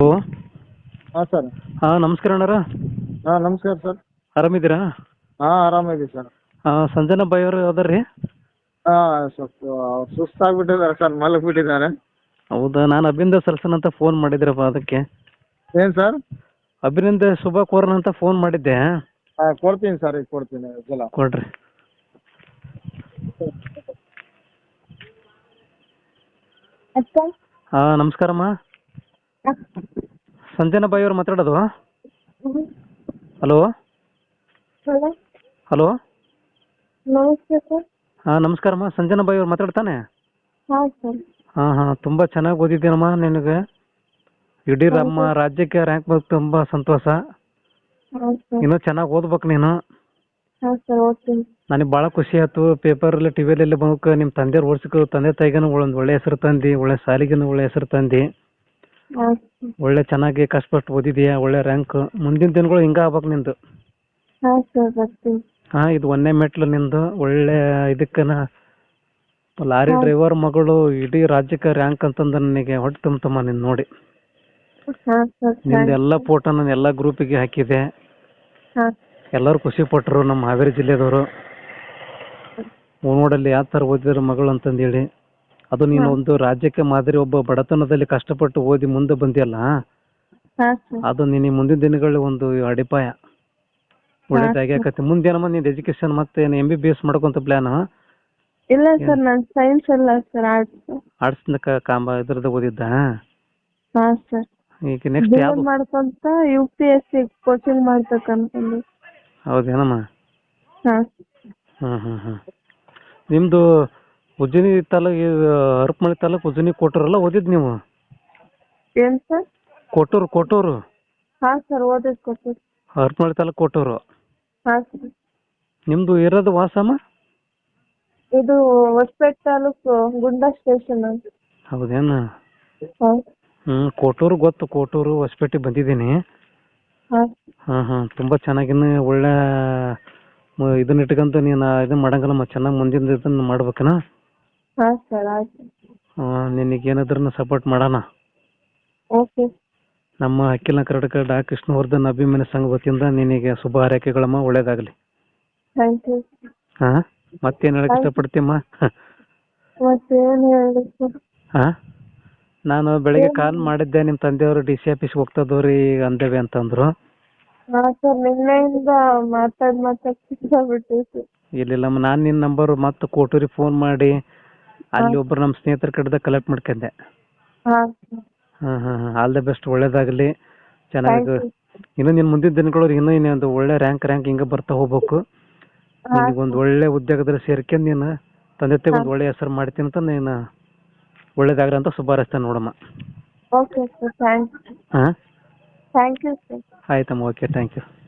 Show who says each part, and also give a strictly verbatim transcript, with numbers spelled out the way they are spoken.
Speaker 1: Hello.
Speaker 2: ಹಾಂ sir.
Speaker 1: ಹಾಂ ನಮಸ್ಕಾರ ಅಣ್ಣಾರ.
Speaker 2: ಹಾಂ ನಮಸ್ಕಾರ ಸರ್.
Speaker 1: ಆರಾಮಿದ್ದೀರಾ?
Speaker 2: ಹಾಂ ಆರಾಮಿದ್ದೀವಿ ಸರ್.
Speaker 1: ಹಾಂ ಸಂಜನಾ ಬಾಯಿ ಅವರು ಅದಾರ ರೀ?
Speaker 2: ಹಾಂ ಸ್ವಲ್ಪ ಸುಸ್ತಾಗ್ಬಿಟ್ಟಿದ್ದಾರೆ ಸರ್, ಮಲಗಿಬಿಟ್ಟಿದ್ದಾರೆ.
Speaker 1: ಹೌದಾ, ನಾನು ಅಭಿನಂದ ಸಲ್ಸನ್ ಅಂತ ಫೋನ್ ಮಾಡಿದ್ರಪ್ಪ, ಅದಕ್ಕೆ.
Speaker 2: ಏನು ಸರ್?
Speaker 1: ಅಭಿನಂದ ಶುಭ ಕೋರನ್ ಅಂತ ಫೋನ್ ಮಾಡಿದ್ದೆ.
Speaker 2: ಹಾಂ ಕೊಡ್ತೀನಿ ಸರ್, ಈಗ ಕೊಡ್ತೀನಿ ಜಲ
Speaker 1: ಕೊಡ್ರಿ. ಹಾಂ ನಮಸ್ಕಾರಮ್ಮ. ಸಂಜನಾ ಬಾಯಿ ಅವ್ರು ಮಾತಾಡೋದು? Hello
Speaker 3: hello
Speaker 1: hello.
Speaker 3: ನಮಸ್ತೆ ಸರ್.
Speaker 1: ಹಾಂ ನಮಸ್ಕಾರಮ್ಮ, ಸಂಜನಾ ಬಾಯಿ ಅವ್ರು ಮಾತಾಡ್ತಾನೆ?
Speaker 3: ಹಾಂ ಸರ್.
Speaker 1: ಹಾಂ ಹಾಂ ತುಂಬ ಚೆನ್ನಾಗಿ ಓದಿದ್ದೀನಮ್ಮ. ನಿನಗೆ ಇಡೀ ನಮ್ಮ ರಾಜ್ಯಕ್ಕೆ ರ್ಯಾಂಕ್ ಬಂದು ತುಂಬ ಸಂತೋಷ.
Speaker 3: ಹಾಂ ಸರ್.
Speaker 1: ಇನ್ನೂ ಚೆನ್ನಾಗಿ ಓದ್ಬೇಕು ನೀನು.
Speaker 3: ಹಾಂ ಸರ್ ಓದ್ತೀನಿ.
Speaker 1: ನನಗೆ ಭಾಳ ಖುಷಿ ಆಯ್ತು. ಪೇಪರಲ್ಲಿ ಟಿ ವಿಯಲ್ಲಿ ಬಂದಕ್ಕೆ ನಿಮ್ಮ ತಂದೆಯವ್ರು ಓಡಿಸ್ಕೊ, ತಂದೆ ತಾಯಿಗೂ ಒಂದು ಒಳ್ಳೆ ಹೆಸರು ತಂದು, ಒಳ್ಳೆ ಶಾಲೆಗೂ ಒಳ್ಳೆ ಹೆಸರು ತಂದು,
Speaker 3: ಹಾಂ ಸರ್.
Speaker 1: ಒಳ್ಳೆ ಚೆನ್ನಾಗಿ ಕಷ್ಟಪಟ್ಟು ಓದಿದೀಯಾ, ಒಳ್ಳೆ ರ್ಯಾಂಕ್. ಮುಂದಿನ ದಿನಗಳು ಹಿಂಗೆ ಆಗ್ಬೇಕು ನಿಂದು.
Speaker 3: ಹಾಂ ಸರ್ ಬರ್ತೀನಿ.
Speaker 1: ಹಾಂ ಇದು ಒಂದನೇ ಮೆಟ್ಲು ನಿಂದು. ಒಳ್ಳೆ ಇದಕ್ಕನ ಲಾರಿ ಡ್ರೈವರ್ ಮಗಳು ಇಡೀ ರಾಜ್ಯಕ್ಕೆ ರ್ಯಾಂಕ್ ಅಂತಂದು ನನಗೆ ಹೊಟ್ಟೆ ತುಂಬತಮ್ಮ ನಿನ್ನ ನೋಡಿ.
Speaker 3: ಹಾಂ ಸರ್.
Speaker 1: ನಿಂದು ಎಲ್ಲ ಫೋಟೋ ನಾನು ಎಲ್ಲ ಗ್ರೂಪಿಗೆ ಹಾಕಿದೆ.
Speaker 3: ಹಾಂ.
Speaker 1: ಎಲ್ಲರೂ ಖುಷಿ ಪಟ್ಟರು ನಮ್ಮ ಹಾವೇರಿ ಜಿಲ್ಲೆದವರು. ನೋಡಲ್ಲಿ ಯಾವ ಥರ ಓದಿದ್ರು ಮಗಳು ಅಂತಂದೇಳಿ. ಅದು ನೀನು ಒಂದು ರಾಜ್ಯಕ್ಕೆ ಮಾದರಿ, ಒಬ್ಬ ಬಡತನದಲ್ಲಿ ಕಷ್ಟಪಟ್ಟು ಓದಿ ಮುಂದೆ ಬಂದಿಯಲ್ಲ,
Speaker 3: ಹಾಂ ಸರ್.
Speaker 1: ಅದು ನಿನ್ನ ಮುಂದಿನ ದಿನಗಳಲ್ಲಿ ಒಂದು ಅಡಿಪಾಯ. ಒಳ್ಳೇದಾಗಿ ಆಕತಿ. ಮುಂದೇನಮ್ಮ ನಿಂದು ಎಜುಕೇಶನ್ ಮತ್ತೆ ಎಂ ಬಿ ಬಿ ಎಸ್ ಮಾಡ್ಕೊಂತ ಪ್ಲಾನ್?
Speaker 3: ಇಲ್ಲ ಸರ್, ನಾನು ಸೈನ್ಸ್ ಅಲ್ಲ ಸರ್, ಆರ್ಟ್ಸ್.
Speaker 1: ಆರ್ಟ್ಸ್ನ ಕಾಂಬ ಇದ್ರದ್ದು ಓದಿದ್ದ?
Speaker 3: ಹಾಂ ಸರ್.
Speaker 1: ಈಗ ನೆಕ್ಸ್ಟ್ ಯಾವುದು
Speaker 3: ಮಾಡ್ಕೊಂತ U P S C coaching ಮಾಡ್ಬೇಕು ಅನ್ಕೊಂಡು.
Speaker 1: ಹೌದೇನಮ್ಮ?
Speaker 3: ಹಾಂ.
Speaker 1: ಹ್ಞೂ ಹ್ಞೂ ಹ್ಞೂ ನಿಮ್ಮದು ಉಜ್ಜಿನಿ ತಾಲೂಕು, ಹರಪನಹಳ್ಳಿ ತಾಲೂಕು ಉಜ್ಜಿನಿ ಕೊಟ್ಟೂರಲ್ಲ ಓದಿದ್ದು ನೀವು?
Speaker 3: ಏನು ಸರ್?
Speaker 1: ಕೊಟ್ಟೂರು ಕೊಟ್ಟೂರು
Speaker 3: ಹಾಂ ಸರ್ ಓದಿದ್ದು ಕೊಟ್ಟೂರು.
Speaker 1: ಹರಪನಹಳ್ಳಿ ತಾಲೂಕು ಕೊಟ್ಟೂರು.
Speaker 3: ಹಾಂ ಸರ್.
Speaker 1: ನಿಮ್ಮದು ಇರೋದು ವಾಸಮ್ಮ?
Speaker 3: ಇದು ಹೊಸಪೇಟೆ ತಾಲೂಕು ಗುಂಡಾ ಸ್ಟೇಷನ್ ಅಂತ.
Speaker 1: ಹೌದೇನು?
Speaker 3: ಹಾಂ.
Speaker 1: ಹ್ಞೂ ಕೊಟ್ಟೂರು ಗೊತ್ತು, ಕೊಟ್ಟೂರು ಹೊಸಪೇಟೆ ಬಂದಿದ್ದೀನಿ.
Speaker 3: ಹಾಂ.
Speaker 1: ಹಾಂ ಹಾಂ ತುಂಬ ಚೆನ್ನಾಗಿನ್ನು ಒಳ್ಳೆ ಮ- ಇದನ್ನ ಇಟ್ಕೊಂತ ನೀನು ಇದನ್ನ ಮಾಡಂಗಲ್ಲಮ್ಮ. ಚೆನ್ನಾಗಿ ಮುಂದಿನ ಇದನ್ನು ಮಾಡ್ಬೇಕನ.
Speaker 3: ಹಾಂ ಸರ್ ಆಯ್ತು.
Speaker 1: ಹಾಂ ನಿನಗೇನಾದ್ರೂ ಸಪೋರ್ಟ್ ಮಾಡೋಣ.
Speaker 3: ಓಕೆ.
Speaker 1: ನಮ್ಮ ಅಖಿಲ ಕರ್ನಾಟಕ ಡಾ ಕೃಷ್ಣವರ್ಧನ್ ಅಭಿಮಾನಿ ಸಂಘ ವತಿಯಿಂದ ನಿನಗೆ ಶುಭ ಹಾರೈಕೆಗಳಮ್ಮ. ಒಳ್ಳೇದಾಗಲಿ.
Speaker 3: Thank you.
Speaker 1: ಹಾಂ ಮತ್ತೇನು ಹೇಳಕ್ಕೆ ಇಷ್ಟಪಡ್ತೀಯಮ್ಮ?
Speaker 3: ಮತ್ತೇನು ಹೇಳಿ ಸರ್?
Speaker 1: ಹಾಂ ನಾನು ಬೆಳಗ್ಗೆ ಕಾಲ್ ಮಾಡಿದ್ದೆ, ನಿಮ್ಮ ತಂದೆಯವರು ಡಿ ಸಿ ಆಫೀಸ್ಗೆ ಹೋಗ್ತದವ್ರಿ ಈಗ ಅಂದೇವೆ ಅಂತಂದರು.
Speaker 3: ಹಾಂ ಸರ್, ನಿನ್ನೆಯಿಂದ ಮಾತಾಡಿ ಮಾತಾಡಿ ಸಿಕ್ಕಾಬಿಟ್ಟು ಸರ್.
Speaker 1: ಇಲ್ಲಿಲ್ಲಮ್ಮ, ನಾನು ನಿನ್ನ ನಂಬರು ಮತ್ತೆ ಕೋಟೂರಿಗೆ ಫೋನ್ ಮಾಡಿ ಅಲ್ಲಿ ಒಬ್ಬರು ನಮ್ಮ ಸ್ನೇಹಿತರ ಕಡೆದ ಕಲೆಕ್ಟ್ ಮಾಡ್ಕೊಂಡೆ.
Speaker 3: ಹಾಂ ಸರ್.
Speaker 1: ಹಾಂ ಹಾಂ ಹಾಂ ಆಲ್ ದ ಬೆಸ್ಟ್. ಒಳ್ಳೇದಾಗಲಿ.
Speaker 3: ಥ್ಯಾಂಕ್
Speaker 1: ಚೆನ್ನಾಗಿ
Speaker 3: ಯು.
Speaker 1: ಇನ್ನೂ ನಿನ್ನ ಮುಂದಿನ ದಿನಗಳು ಇನ್ನೂ ಇನ್ನೊಂದು ಒಳ್ಳೆ ರ್ಯಾಂಕ್ ರ್ಯಾಂಕ್ ಹಿಂಗೆ ಬರ್ತಾ ಹೋಗ್ಬೇಕು.
Speaker 3: ಹಾಂ
Speaker 1: ನಿನಗೊಂದು ಒಳ್ಳೆ ಉದ್ಯೋಗದಲ್ಲಿ ಸೇರ್ಕೊಂಡು ನೀನು ತಂದೆ ತಾಯಿಗೆ ಒಂದು ಒಳ್ಳೆ ಹೆಸರು ಮಾಡ್ತೀನಿ ಅಂತ ನೀನು ಒಳ್ಳೇದಾಗ್ರಿ ಅಂತ ಶುಭ ಹಾರೈಸ್ತೇನೆ ನೋಡಮ್ಮ.
Speaker 3: Okay sir, thank you.
Speaker 1: ಹಾಂ
Speaker 3: ಥ್ಯಾಂಕ್ ಯು ಸರ್.
Speaker 1: ಆಯ್ತಮ್ಮ, ಓಕೆ, ಥ್ಯಾಂಕ್ ಯು.